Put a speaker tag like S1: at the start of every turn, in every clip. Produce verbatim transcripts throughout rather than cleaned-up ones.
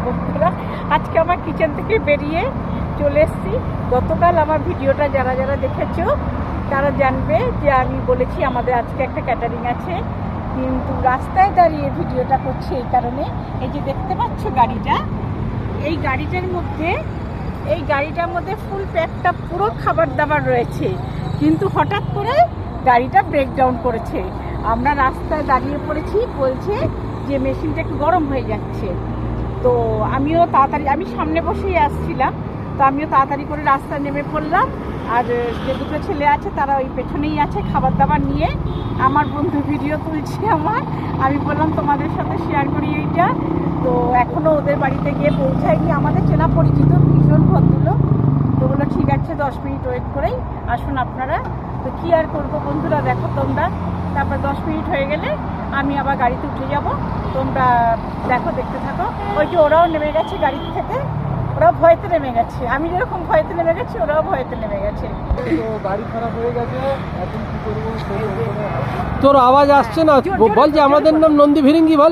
S1: বন্ধুরা, আজকে আমার কিচেন থেকে বেরিয়ে চলে এসেছি। গতকাল আমার ভিডিওটা যারা যারা দেখেছো তারা জানবে যে আমি বলেছি আমাদের আজকে একটা ক্যাটারিং আছে, কিন্তু রাস্তায় দাঁড়িয়ে ভিডিওটা করছি এই কারণে, এই যে দেখতে পাচ্ছ গাড়িটা, এই গাড়িটার মধ্যে এই গাড়িটার মধ্যে ফুল প্যাকটা পুরো খাবার দাবার রয়েছে, কিন্তু হঠাৎ করে গাড়িটা ব্রেকডাউন করেছে। আমরা রাস্তায় দাঁড়িয়ে পড়েছি, বলছে যে মেশিনটা একটু গরম হয়ে যাচ্ছে। তো আমিও তাড়াতাড়ি, আমি সামনে বসেই আসছিলাম, তো আমিও তাড়াতাড়ি করে রাস্তায় নেমে পড়লাম। আর যে দুটো ছেলে আছে তারা ওই পেছনেই আছে খাবার দাবার নিয়ে। আমার বন্ধু ভিডিও তুলছে আমার, আমি বললাম তোমাদের সাথে শেয়ার করি এইটা। তো এখনও ওদের বাড়িতে গিয়ে পৌঁছায়নি, আমাদের চেনা পরিচিত ভীষণ ভদ্রলোক। তো বললো ঠিক আছে দশ মিনিট ওয়েট করেই আসুন আপনারা। তো কী আর করবো বন্ধুরা, দেখো তোমরা। তারপর দশ মিনিট হয়ে গেলে আমি আবার গাড়িতে উঠে যাব, তোমরা দেখো, দেখতে থাকো। ওই যে ওরাও নেমে গেছে গাড়ি থেকে, ওরাও ভয়তে নেমে গেছে, আমি যেরকম ভয়তে নেমে গেছি ওরাও ভয়তে নেমে গেছে।
S2: গাড়ি খারাপ হয়ে গেছে, এখন কি করবো?
S3: তোর আওয়াজ আসছে না, বল যে আমাদের নাম নন্দী ভিরিঙ্গি বল।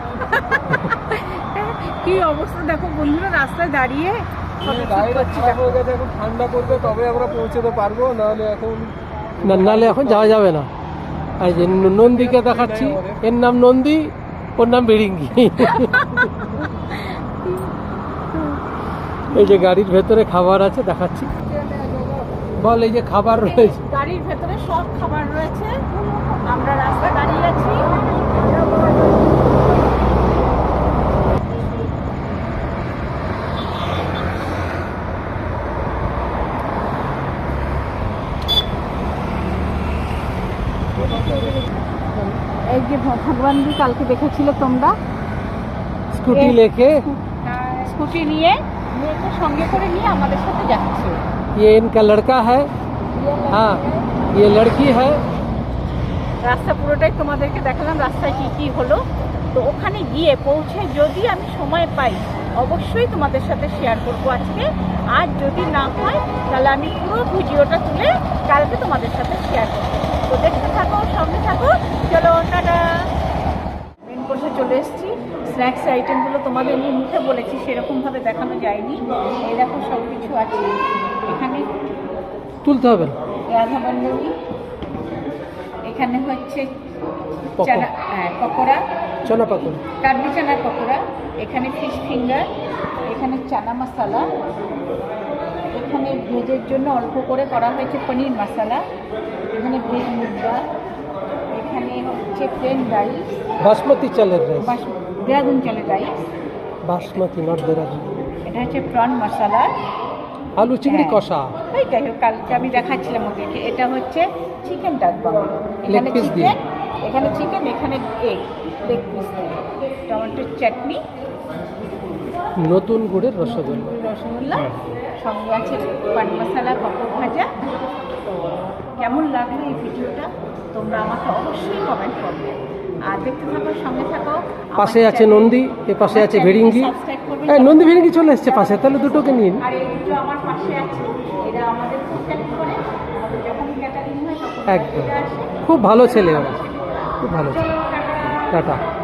S1: কি অবস্থা দেখো বন্ধুরা, রাস্তায় দাঁড়িয়ে
S2: গাড়িটা খারাপ হয়ে গেছে, এখন ঠান্ডা করবে তবে আমরা পৌঁছতে পারবো, নাহলে এখন
S3: না, নাহলে এখন যাওয়া যাবে না। এই যে নন্দীকে দেখাচ্ছি, এর নাম নন্দী, ওর নাম ভিরিঙ্গি। এই যে গাড়ির ভেতরে খাবার আছে দেখাচ্ছি, বল। এই যে খাবার রয়েছে
S1: গাড়ির ভেতরে, সব খাবার রয়েছে। আমরা রাস্তায় দাঁড়িয়ে আছি। এই যে ভগবানজি কালকে দেখেছিলে তোমরা,
S3: স্কুটি লেকে,
S1: স্কুটি নিয়ে মেয়েকে সঙ্গে করে নিয়ে আমাদের সাথে যাচ্ছে।
S3: ये इनका लड़का है, हाँ ये लड़की है।
S1: রাস্তা পুরোটাই তোমাদেরকে দেখালাম, রাস্তায় কি কি হলো। তো ওখানে গিয়ে পৌঁছে যদি আমি সময় পাই অবশ্যই তোমাদের সাথে শেয়ার করবো আজকে। আর যদি না হয় তাহলে আমি পুরো ভিডিওটা তুলে কালকে তোমাদের সাথে শেয়ার করবো। তো দেখতে থাকো, সঙ্গে থাকো, চলো টাটা। মেন কোর্সে চলে এসেছি। স্ন্যাক্স আইটেমগুলো তোমাদের নিয়ে মুখে বলেছি, সেরকমভাবে দেখানো যায়নি। এই দেখো সব কিছু আছে এখানে,
S3: তুলতে হবে
S1: রাধা বন্ধবী। এখানে হচ্ছে চানা, হ্যাঁ পকোড়া,
S3: চনা পাকোড়া,
S1: কাবলি চানার পকোড়া। এখানে ফিশ ফিঙ্গার, এখানে চানা মশলা, এখানে ভেজের জন্য অল্প করে করা হয়েছে পনির মশলা, এখানে ভেজ মুরগা, এখানে হচ্ছে প্লেন রাইস,
S3: বাসমতি চালের রাইস,
S1: দেরাদুন চালের রাইস,
S3: বাসমতি নট দেরাদুন।
S1: এটা হচ্ছে প্রন মশলা,
S3: আলু চিংড়ি কষা।
S1: এই যাই হোক কালকে আমি দেখাচ্ছিলাম ওদেরকে। এটা হচ্ছে চিকেন ডাকবাং, এখানে
S3: piece দিয়ে।
S1: চিকেন, এখানে চিকেন, এখানে এগ, লেগ পিস, টমেটোর চাটনি,
S3: নতুন গুড়ের রসগোল্লা,
S1: রসগোল্লা, সঙ্গে আছে পান মশলা, পাপড় ভাজা। তো কেমন লাগলো এই ভিডিওটা তোমরা আমাকে অবশ্যই কমেন্ট করবে। আর দেখতে থাকো, সঙ্গে থাকো।
S3: পাশে আছে নন্দী, এ পাশে আছে ভিরিঙ্গি। এই নন্দী ভিরিঙ্গি চলে এসছে পাশে, তাহলে দুটোকে নিন।
S1: আর এই দুটো আমার পাশে আছে, এরা আমাদের কন্ট্যাক্ট করে, আমাদের যখন ক্যাটারিং হয় তখন
S3: একদম
S1: এরা আসে।
S3: খুব ভালো ছেলে ওরা, খুব ভালো ছেলে। টাটা।